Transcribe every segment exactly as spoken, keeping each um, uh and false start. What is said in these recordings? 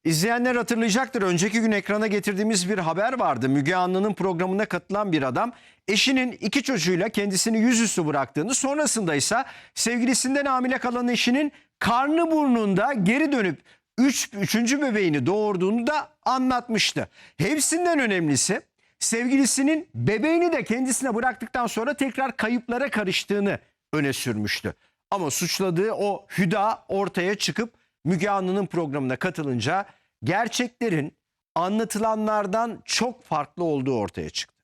İzleyenler hatırlayacaktır. Önceki gün ekrana getirdiğimiz bir haber vardı. Müge Anlı'nın programına katılan bir adam eşinin iki çocuğuyla kendisini yüzüstü bıraktığını, sonrasında ise sevgilisinden hamile kalan eşinin karnı burnunda geri dönüp üç, üçüncü bebeğini doğurduğunu da anlatmıştı. Hepsinden önemlisi sevgilisinin bebeğini de kendisine bıraktıktan sonra tekrar kayıplara karıştığını öne sürmüştü. Ama suçladığı o Hüda ortaya çıkıp Müge Anlı'nın programına katılınca gerçeklerin anlatılanlardan çok farklı olduğu ortaya çıktı.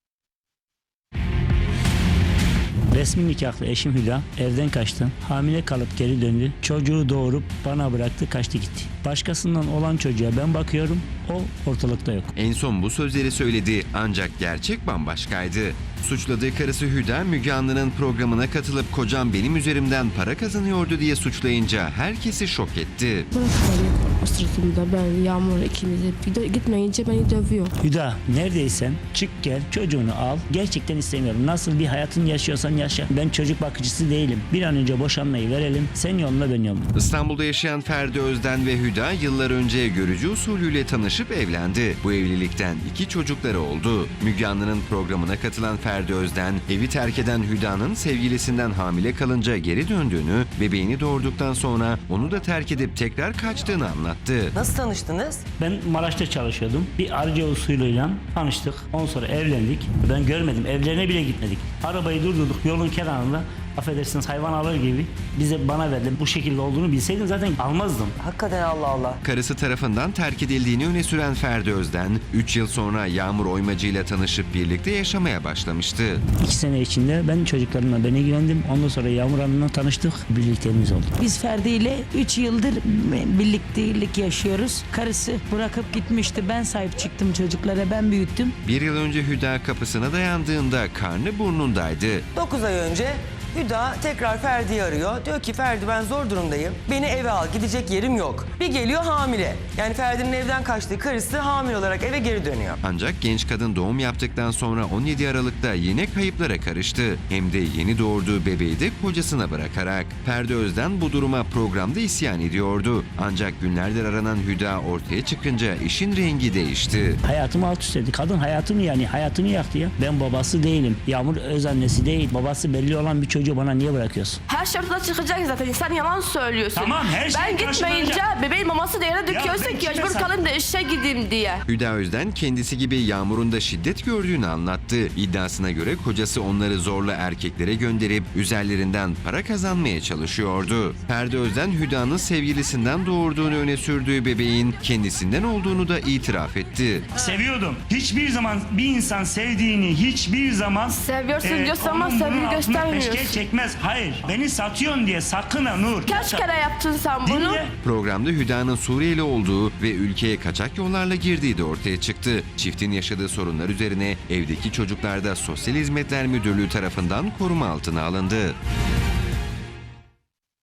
Resmi nikahlı eşim Hüda evden kaçtı. Hamile kalıp geri döndü. Çocuğu doğurup bana bıraktı, kaçtı gitti. Başkasından olan çocuğa ben bakıyorum, o ortalıkta yok. En son bu sözleri söyledi ancak gerçek bambaşkaydı. Suçladığı karısı Hüda, Müge Anlı'nın programına katılıp kocam benim üzerimden para kazanıyordu diye suçlayınca herkesi şok etti. Burası beni o sırtımda ben Yağmur ikimiz hep gitmeyince beni dövüyor. Hüda, neredeysen çık gel, çocuğunu al. Gerçekten istemiyorum. Nasıl bir hayatın yaşıyorsan yaşa. Ben çocuk bakıcısı değilim. Bir an önce boşanmayı verelim. Sen yoluna, ben yoluma. İstanbul'da yaşayan Ferdi Özden ve Hüda yıllar önce görücü usulüyle tanışıp evlendi. Bu evlilikten iki çocukları oldu. Müge Anlı'nın programına katılan Ferdi Özden, evi terk eden Hüda'nın sevgilisinden hamile kalınca geri döndüğünü, bebeğini doğurduktan sonra onu da terk edip tekrar kaçtığını anlattı. Nasıl tanıştınız? Ben Maraş'ta çalışıyordum. Bir arıca usulüyle tanıştık. Ondan sonra evlendik. Ben görmedim. Evlerine bile gitmedik. Arabayı durdurduk yolun kenarında. Affedersiniz, hayvan alır gibi bize bana verdi. Bu şekilde olduğunu bilseydim zaten almazdım. Hakikaten Allah Allah. Karısı tarafından terk edildiğini öne süren Ferdi Özden, üç yıl sonra Yağmur Oymacı ile tanışıp birlikte yaşamaya başlamıştı. İki sene içinde ben çocuklarımla ben ilgilendim. Ondan sonra Yağmur Hanım'la tanıştık. Birlikteliğimiz oldu. Biz Ferdi ile üç yıldır birliktelik yaşıyoruz. Karısı bırakıp gitmişti. Ben sahip çıktım çocuklara, ben büyüttüm. Bir yıl önce Hüda kapısına dayandığında karnı burnundaydı. dokuz ay önce Hüda tekrar Ferdi'yi arıyor. Diyor ki Ferdi, ben zor durumdayım. Beni eve al, gidecek yerim yok. Bir geliyor hamile. Yani Ferdi'nin evden kaçtığı karısı hamile olarak eve geri dönüyor. Ancak genç kadın doğum yaptıktan sonra on yedi Aralık'ta yine kayıplara karıştı. Hem de yeni doğurduğu bebeği de kocasına bırakarak. Ferdi Özden bu duruma programda isyan ediyordu. Ancak günlerdir aranan Hüda ortaya çıkınca işin rengi değişti. Hayatımı alt üst etti. Kadın hayatımı yani hayatımı yaktı ya. Ben babası değilim. Yağmur öz annesi değil. Babası belli olan bir çocuğu bana niye bırakıyorsun? Her şey ortada çıkacak zaten. Sen yalan söylüyorsun. Tamam, her şey Ben gitmeyince karşılanacak. bebeğin maması da yere döküyorsun ben ki kime mecbur sat- kalayım da işe gideyim diye. Hüda Özden kendisi gibi Yağmur'un da şiddet gördüğünü anlattı. İddiasına göre kocası onları zorla erkeklere gönderip üzerlerinden para kazanmaya çalışıyordu. Ferdi Özden, Hüda'nın sevgilisinden doğurduğunu öne sürdüğü bebeğin kendisinden olduğunu da itiraf etti. Seviyordum. Hiçbir zaman bir insan sevdiğini hiçbir zaman Seviyorsun diyorsun ama onun bunun sevgi altına göstermiyorsun. peşkeş çekmez. Hayır. Beni satıyorsun diye sakın ha Nur. Kaç kere yaptın sen bunu? Dinle. Programda Hüda'nın Suriyeli olduğu ve ülkeye kaçak yollarla girdiği de ortaya çıktı. Çiftin yaşadığı sorunlar üzerine evdeki çocuklar da Sosyal Hizmetler Müdürlüğü tarafından koruma altına alındı.